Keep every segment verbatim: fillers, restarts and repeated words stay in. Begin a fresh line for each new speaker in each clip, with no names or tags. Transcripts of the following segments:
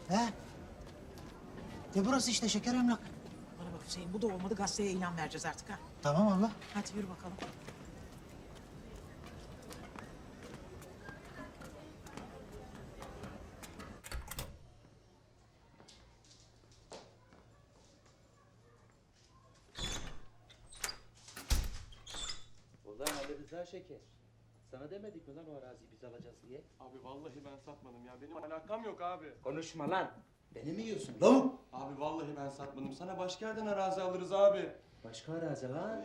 He? Ne burası işte şeker emlak.
Bana bak Hüseyin, bu da olmadı, gazeteye ilan vereceğiz artık ha.
Tamam abla.
Hadi yürü bakalım.
Ulan Ali Rıza Şeker. Sana demedik mi lan o araziyi biz alacağız diye?
Abi vallahi ben satmadım ya. Benim alakam yok abi.
Konuşma lan. Beni mi yiyorsun lan?
Abi vallahi ben satmadım. Sana başka yerden arazi alırız abi.
Başka arazi lan.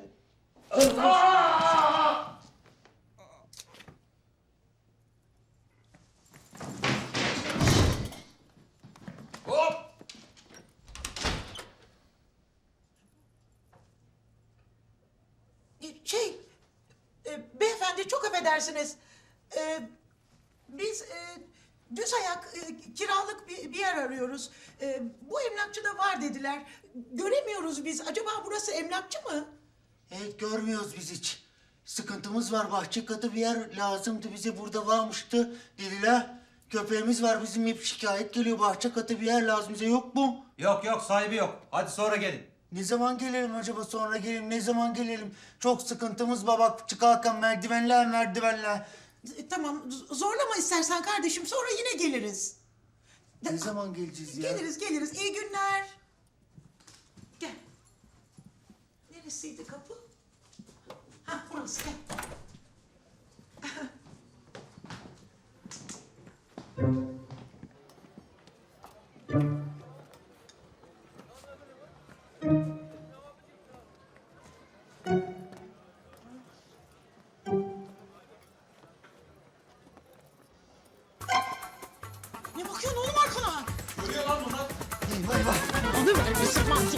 Şey, e, beyefendi çok affedersiniz. E, biz e, düz ayak e, kiralık bir, bir yer arıyoruz. E, bu emlakçıda var dediler. Göremiyoruz biz. Acaba burası emlakçı mı?
Evet görmüyoruz biz hiç. Sıkıntımız var. Bahçe katı bir yer lazımdı. Bize burada varmıştı dediler. Köpeğimiz var bizim, hep şikayet geliyor. Bahçe katı bir yer lazım bize, yok mu?
Yok yok, sahibi yok. Hadi sonra gelin.
Ne zaman gelelim acaba, sonra gelelim, ne zaman gelelim? Çok sıkıntımız var bak, çıkarken merdivenler merdivenler.
E, tamam, z- zorlama istersen kardeşim. Sonra yine geliriz.
Ne zaman geleceğiz ya?
Geliriz, geliriz. İyi günler. Gel. Neresiydi kapı? Ha, burası. Gel. Ne bakıyorsun oğlum arkana?
Görüyor lan bunlar.
Eyvah eyvah.
Alıver bir sıkmazsın.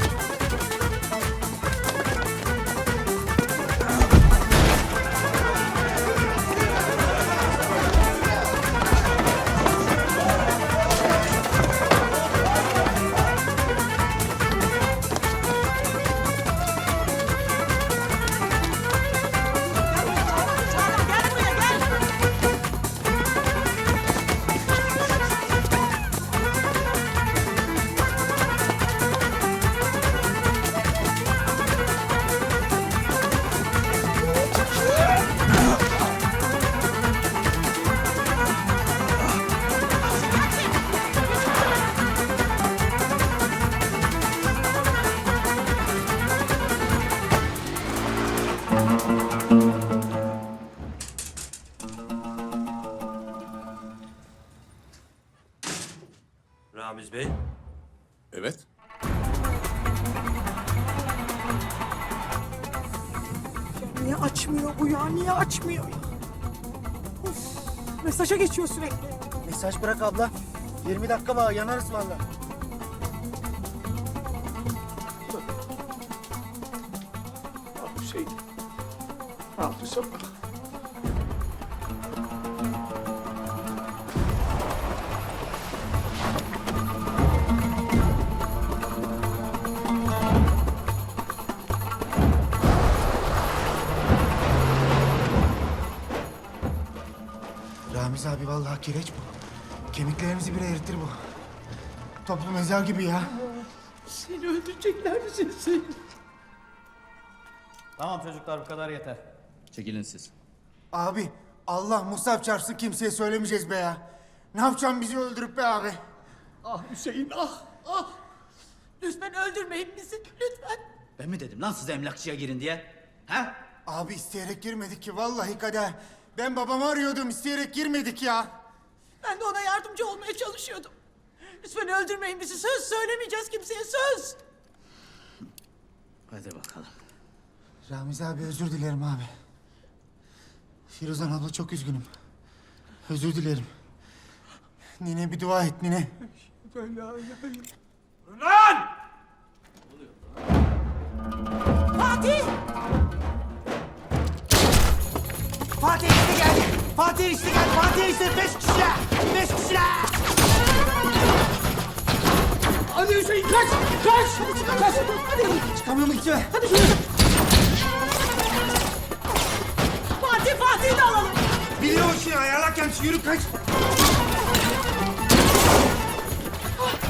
Ramiz Bey.
Evet.
Niye açmıyor bu ya? Niye açmıyor? Of, mesaja geçiyor sürekli.
Mesaj bırak abla. yirmi dakika var, yanarız vallahi.
Abi şey. Ne yaptıysam.
Ramiz abi vallahi kireç bu. Kemiklerimizi bile eritir bu. Toplu mezar gibi ya.
Seni öldürecekler misin seni?
Tamam çocuklar, bu kadar yeter. Çekilin siz.
Abi Allah Musab çarpsın, kimseye söylemeyeceğiz be ya. Ne yapacağım bizi öldürüp be abi?
Ah Hüseyin ah ah. Lütfen öldürmeyin bizi lütfen.
Ben mi dedim lan size emlakçıya girin diye? Ha?
Abi isteyerek girmedik ki vallahi kader. Ben babamı arıyordum, isteyerek girmedik ya.
Ben de ona yardımcı olmaya çalışıyordum. Lütfen öldürmeyin bizi. Söz söylemeyeceğiz kimseye, söz.
Hadi bakalım.
Ramiz abi özür dilerim abi. Firuzan abla çok üzgünüm. Özür dilerim. Nine bir dua et nine.
Lan!
Fatih!
Fatih işte geldi. Fatih işte geldi. Fatih işte beş kişiler. Beş kişiler.
Hadi Hüseyin kaç! Kaç! Hadi çıkar kaç! Hadi!
Çıkamıyorum içime.
Hadi şuraya! Fatih Fatih'i de alalım!
Biliyor işini ayarlarken yürü kaç.
Ah,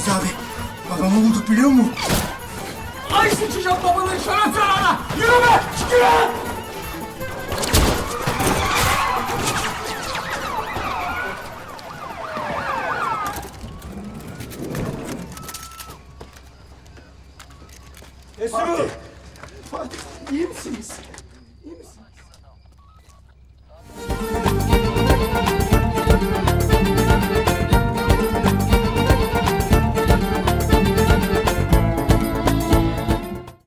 Ramiz abi, babamı bulduk biliyor musun?
Ay sıçacağım babanın şeref yarana! Yürü be! Yürü!